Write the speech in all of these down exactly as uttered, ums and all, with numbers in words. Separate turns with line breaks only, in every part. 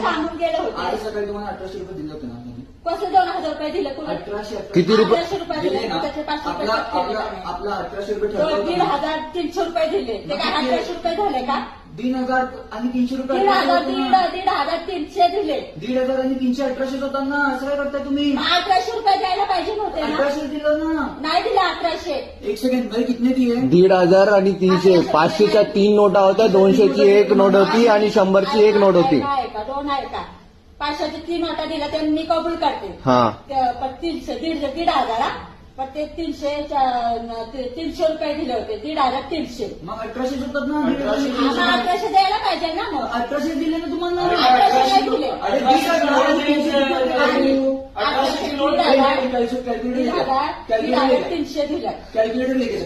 सांगून गेले
आज
होते.
सकाळी तुम्हाला अठराशे रुपये दिले होते ना आम्ही.
कसं दोन हजार रुपये दिले कुणी?
अठराशे
किती रुपये?
अठराशे रुपये
दिले
दिले
ना.
त्याचे पाचशे रुपये
आपला
कट केले
आपला
त्याने.
आपला अठराशे रुपये
दोन
ठरला
दीड
होता ना.
हजार तीनशे रुपये दिले ते काय
मग किती?
अठराशे रुपये झाले का?
तीन हजार आणि तीनशे रुपये
दीड
अठराशे
हजार
होते
दीड
ना.
दीड हजार तीनशे दिले.
दीड हजार आणि तीनशे अठराशेच होता ना. असं काय करताय तुम्ही?
मग अठराशे रुपये द्यायला पाहिजे नव्हते ना?
अठराशे दिलं ना.
नाही दिले अठराशे.
एक सेकंड भाई कितने दिए?
दीड हजार आणि तीनशे पाचशेच्या तीन नोटा होत्या, दोनशेची एक नोट होती आणि शंभरची एक नोट होती.
आहे का दोन आहे का? पाचशेची तीन नोटा दिल्या ते मी कबूल करते.
हा
ते पण तीनशे दीड दीड हजार हा. पण ते तीनशे ते तीनशे रुपये दिले होते. दीड हजार तीनशे.
मग अठराशे होतात ना.
आम्हाला अठराशे द्यायला पाहिजे ना मग.
अठराशे दिले ना तुम्हाला.
अठराशे नाही दिले.
अरे दीड हजार आणि तीनशे रुपये
आणि
दिले.
अठराशे दीड
दीड
हजार
हजार कॅल्क्युलेटर
दीड हजार दीड
कॅल्क्युलेटर
हजार
लेके
तीनशे दिले.
कॅल्क्युलेटर लेके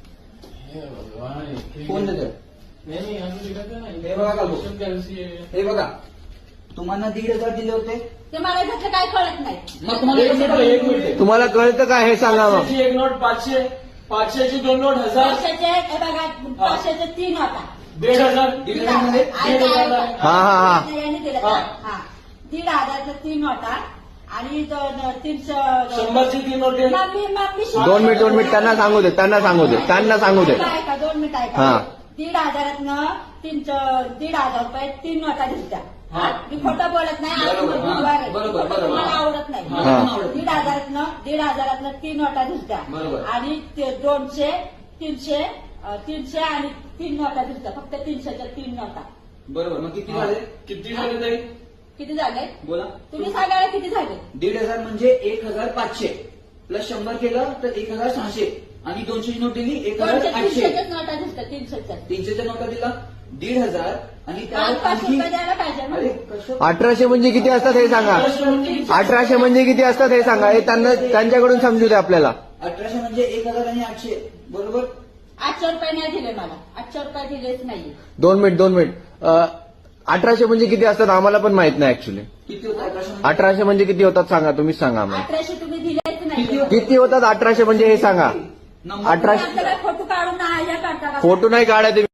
फोन देतो. हे बघा का भाऊ? हे बघा तुम्हाला दीड हजार दिले होते.
ते मला त्यातलं काय कळत नाही.
मग तुम्हाला
एक
कसं
मिनिट,
कळलं?
एक मिनिट.
तुम्हाला कळतं का हे सांगा मग.
पाचशेची एक नोट पाचशे, पाचशेची दोन नोट हजार,
पाचशेचे हे बघा पाचशेचे तीन होता.
दीड हजार,
दीड हजारमध्ये
दीड हजार.
हा, हा, हा.
यांनी दिलं
हा.
हा दीड हजारचा तीन होता आणि तो तीनशे
शंभरची तीन नोट
मग मी मग मी
दोन मिनिट दोन मिनिट त्यांना सांगू दे त्यांना सांगू दे त्यांना सांगू दे.
काय का दोन मिनिट आहे
हा.
का? दीड हजारातनं तीनशे दीड हजार रुपये तीन नोटा दिसत्या.
हा.
मी खोटं बोलत नाही. आज
बरोबर, हा.
बुधवार आहे.
बरोबर,
खोटं
बरोबर.
मला आवडत नाही.
मला पण आवडत
दीड
नाही.
हजारातनं दीड हजारातनं तीन नोटा दिसत्या
बरोबर.
आणि ते दोनशे तीनशे अं, तीनशे आणि तीन नोटा दिसत्या. फक्त तीनशेच्या तीन नोटा.
बरोबर. मग किती झाले?
किती झाले ताई?
किती झाले?
बोला.
तुम्ही सांगायला किती झाले?
दीड हजार म्हणजे एक हजार पाचशे प्लस शंभर केलं तर एक हजार सहाशे आणि दोनशेची नोट दिली एक हजार
दोनशे
आठशे.
तीनशेच्याच नोटा दिसत्या तीनशेच्या.
तीनशेच्या नोटा दिला दीड हजार आणि
आज
त्यावर
पाचशे
आणखी
रुपये द्यायला पाहिजे ना.
अरे कसं
अठराशे म्हणजे किती असतात हे सांगा. अठराशे म्हणजे किती असतात हे सांगा. हे त्यांना त्यांच्याकडून समजू दे आपल्याला.
अठराशे म्हणजे एक हजार आणि आठशे बरोबर.
आठशे रुपये नाही दिले मला. आठशे रुपये दिलेच नाही.
दोन मिनिट दोन मिनिट अं, अठराशे म्हणजे किती असतात आम्हाला पण माहित नाही ऍक्च्युली.
किती होतं अठराशे म्हणजे?
अठराशे म्हणजे किती होतात सांगा तुम्हीच सांगा आम्हाला.
अठराशे तुम्ही दिलेच
किती
नाही.
होतं?
किती होतात अठराशे म्हणजे हे सांगा.
नंबर
अठराशे
आमचं काय फोटो काढून हे करता का?
फोटो नाही काढायचे.